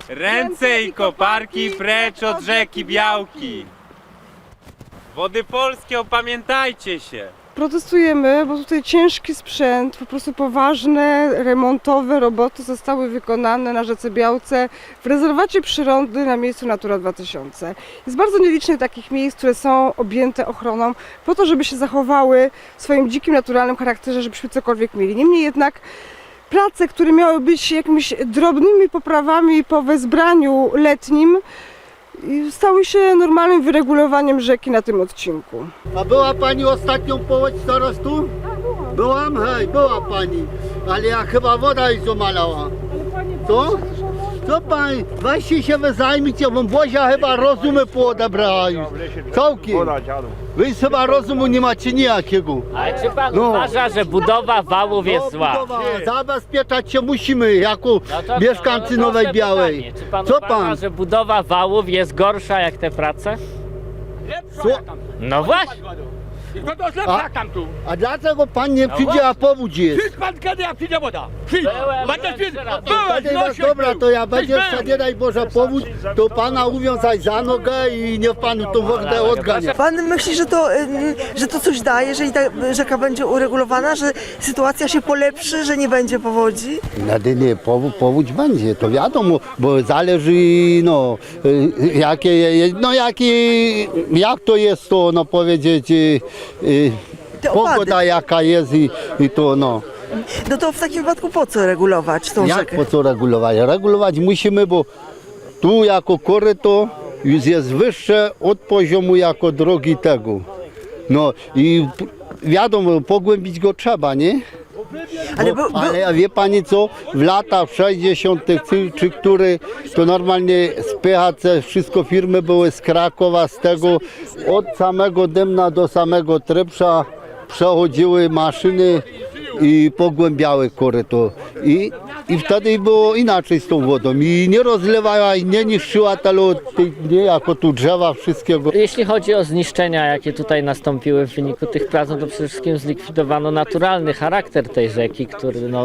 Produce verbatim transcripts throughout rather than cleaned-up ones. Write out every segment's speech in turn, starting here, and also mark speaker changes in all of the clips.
Speaker 1: Ręce i koparki precz od rzeki Białki. Wody Polskie, opamiętajcie się.
Speaker 2: Protestujemy, bo tutaj ciężki sprzęt, po prostu poważne remontowe roboty zostały wykonane na rzece Białce w rezerwacie przyrody na miejscu Natura dwa tysiące. Jest bardzo nielicznie takich miejsc, które są objęte ochroną po to, żeby się zachowały w swoim dzikim, naturalnym charakterze, żebyśmy cokolwiek mieli. Niemniej jednak prace, które miały być jakimiś drobnymi poprawami po wezbraniu letnim, i stały się normalnym wyregulowaniem rzeki na tym odcinku.
Speaker 3: A była pani ostatnią połeć teraz tu? Byłam? Hej, była pani. Ale ja chyba woda jej zamalała. Co? Co pani? Weźcie się wy zajmijcie, bo Bozia chyba rozumy poodebrała już. Całkiem. Wy chyba rozumu nie macie nijakiego.
Speaker 4: Ale czy pan
Speaker 3: No.
Speaker 4: uważa, że budowa wałów jest
Speaker 3: No,
Speaker 4: zła?
Speaker 3: budowa. Zabezpieczać się musimy jako
Speaker 4: No to
Speaker 3: mieszkańcy
Speaker 4: co? No,
Speaker 3: Nowej
Speaker 4: proste
Speaker 3: Białej.
Speaker 4: pytanie. Czy pan
Speaker 3: Co
Speaker 4: uważa,
Speaker 3: pan?
Speaker 4: że budowa wałów jest gorsza jak te prace?
Speaker 3: Co?
Speaker 4: No właśnie.
Speaker 5: No to źle
Speaker 3: A-
Speaker 5: tam tu.
Speaker 3: A dlaczego pan nie
Speaker 4: No
Speaker 3: przyjdzie, a powódź jest?
Speaker 5: Przyjdź pan kiedy, jak przyjdzie woda. Przyjdź.
Speaker 4: Byłem,
Speaker 5: Będę
Speaker 4: byłem
Speaker 5: przyjść.
Speaker 4: trzy razy.
Speaker 5: Byłeś,
Speaker 3: Wtedy,
Speaker 5: Josiek
Speaker 3: dobra,
Speaker 5: był.
Speaker 3: to ja
Speaker 5: Tyś
Speaker 3: będzie
Speaker 5: był.
Speaker 3: wtedy, daj Boże powódź, to pana uwiązać za nogę i niech pan tą wodę odgania.
Speaker 6: Pan myśli, że to, ym, że to coś da, jeżeli ta rzeka będzie uregulowana, że sytuacja się polepszy, że nie będzie powodzi?
Speaker 3: No nie, powódź, powódź będzie, to wiadomo, bo zależy, no, y, jakie, no jakie, jak to jest to, no powiedzieć, y, y,
Speaker 6: Te opady.
Speaker 3: pogoda jaka jest i, i to, no.
Speaker 6: No to w takim wypadku po co regulować tą
Speaker 3: Jak
Speaker 6: rzekę?
Speaker 3: po co regulować? Regulować musimy, bo tu jako koryto już jest wyższe od poziomu jako drogi tego. No i p- wiadomo, pogłębić go trzeba, nie?
Speaker 6: Ale,
Speaker 3: Bo,
Speaker 6: bu- bu-
Speaker 3: ale wie pani co, w latach sześćdziesiątych czy, czy który to normalnie z P H C wszystko firmy były z Krakowa, z tego od samego Dębna do samego Trepsza przechodziły maszyny i pogłębiały koryto. I, I wtedy było inaczej z tą wodą. I nie rozlewała i nie niszczyła tego, nie jako tu drzewa wszystkiego.
Speaker 4: Jeśli chodzi o zniszczenia, jakie tutaj nastąpiły w wyniku tych prac, no to przede wszystkim zlikwidowano naturalny charakter tej rzeki, który, no,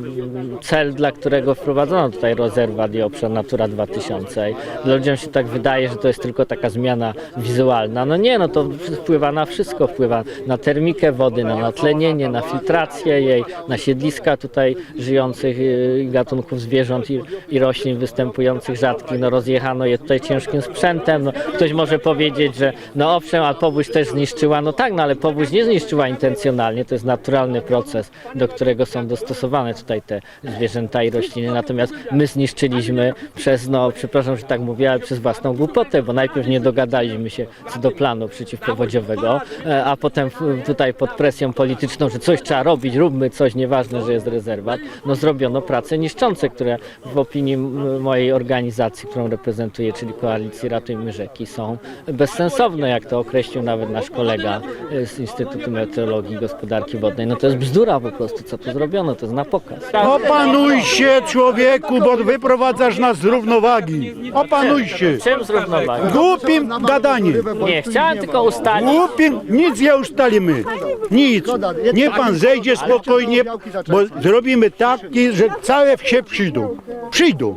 Speaker 4: cel, dla którego wprowadzono tutaj rezerwat i obszar Natura dwa tysiące. I ludziom się tak wydaje, że to jest tylko taka zmiana wizualna. No nie, no to wpływa na wszystko, wpływa na termikę wody, na natlenienie, na filtrację jej, na siedliska tutaj żyjących y, gatunków zwierząt i, i roślin występujących rzadkich. No rozjechano je tutaj ciężkim sprzętem. No, ktoś może powiedzieć, że no owszem, a powódź też zniszczyła. No tak, no ale powódź nie zniszczyła intencjonalnie. To jest naturalny proces, do którego są dostosowane tutaj te zwierzęta i rośliny. Natomiast my zniszczyliśmy przez, no przepraszam, że tak mówię, ale przez własną głupotę, bo najpierw nie dogadaliśmy się co do planu przeciwpowodziowego, e, a potem w- tutaj pod presją polityczną, że coś trzeba robić, róbmy coś, nieważne, że jest rezerwat, no zrobiono prace niszczące, które w opinii m- mojej organizacji, którą reprezentuję, czyli Koalicji Ratujmy Rzeki, są bezsensowne, jak to określił nawet nasz kolega e, z Instytutu Meteorologii i Gospodarki Wodnej. No to jest bzdura po prostu, co tu zrobiono, to jest na pokaz.
Speaker 7: Opanuj się, człowieku, bo wyprowadzasz nas z równowagi. Opanuj się.
Speaker 4: Czym zrównowagi?
Speaker 7: Głupim gadaniem.
Speaker 4: Nie, chciałem tylko ustalić,
Speaker 7: Głupim, nic nie ustalimy. Nic. Niech pan zejdzie spokojnie, bo zrobimy tak, że całe wsie przyjdą. Przyjdą.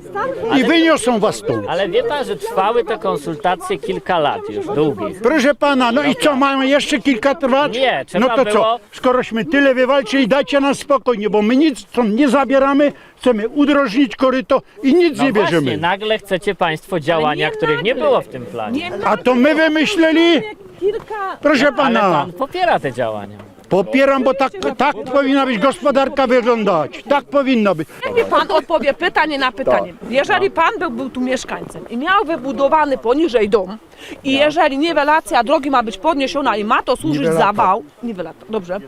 Speaker 7: I wyniosą was tu.
Speaker 4: ale wie pan, że trwały te konsultacje kilka lat już, długich.
Speaker 7: Proszę pana, no i co, mamy jeszcze kilka trwać?
Speaker 4: Nie, trzeba
Speaker 7: No to
Speaker 4: było-
Speaker 7: co, skorośmy tyle wywalczyli, dajcie nas spokojnie, bo my nic stąd nie zabieramy, chcemy udrożnić koryto i nic
Speaker 4: No
Speaker 7: nie
Speaker 4: właśnie,
Speaker 7: bierzemy.
Speaker 4: nagle chcecie państwo działania, których nie było w tym planie.
Speaker 7: A to my wymyśleli? Proszę
Speaker 4: Ale
Speaker 7: pana,
Speaker 4: pan popiera te działania.
Speaker 7: popieram, bo tak, tak powinna być gospodarka wyglądać. Tak powinno być.
Speaker 8: Niech mi pan odpowie pytanie na pytanie. Jeżeli pan był, był tu mieszkańcem i miał wybudowany poniżej dom i jeżeli niwelacja drogi ma być podniesiona i ma to służyć za
Speaker 7: Niwelata.
Speaker 8: wał, niwelata, dobrze,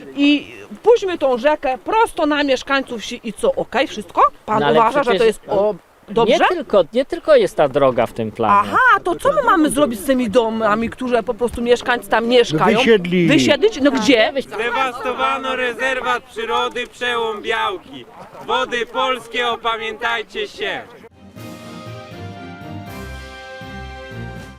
Speaker 8: i puśćmy tą rzekę prosto na mieszkańców wsi i co, okej, wszystko? Pan
Speaker 4: No ale
Speaker 8: uważa, że
Speaker 4: przecież-
Speaker 8: to jest o, dobrze?
Speaker 4: Nie tylko, nie tylko jest ta droga w tym planie.
Speaker 8: Aha, to co my mamy zrobić z tymi domami, które po prostu mieszkańcy tam mieszkają?
Speaker 7: Wysiedli.
Speaker 8: Wysiedlić? No gdzie?
Speaker 1: Zdewastowano rezerwat przyrody Przełom Białki. Wody Polskie, opamiętajcie się.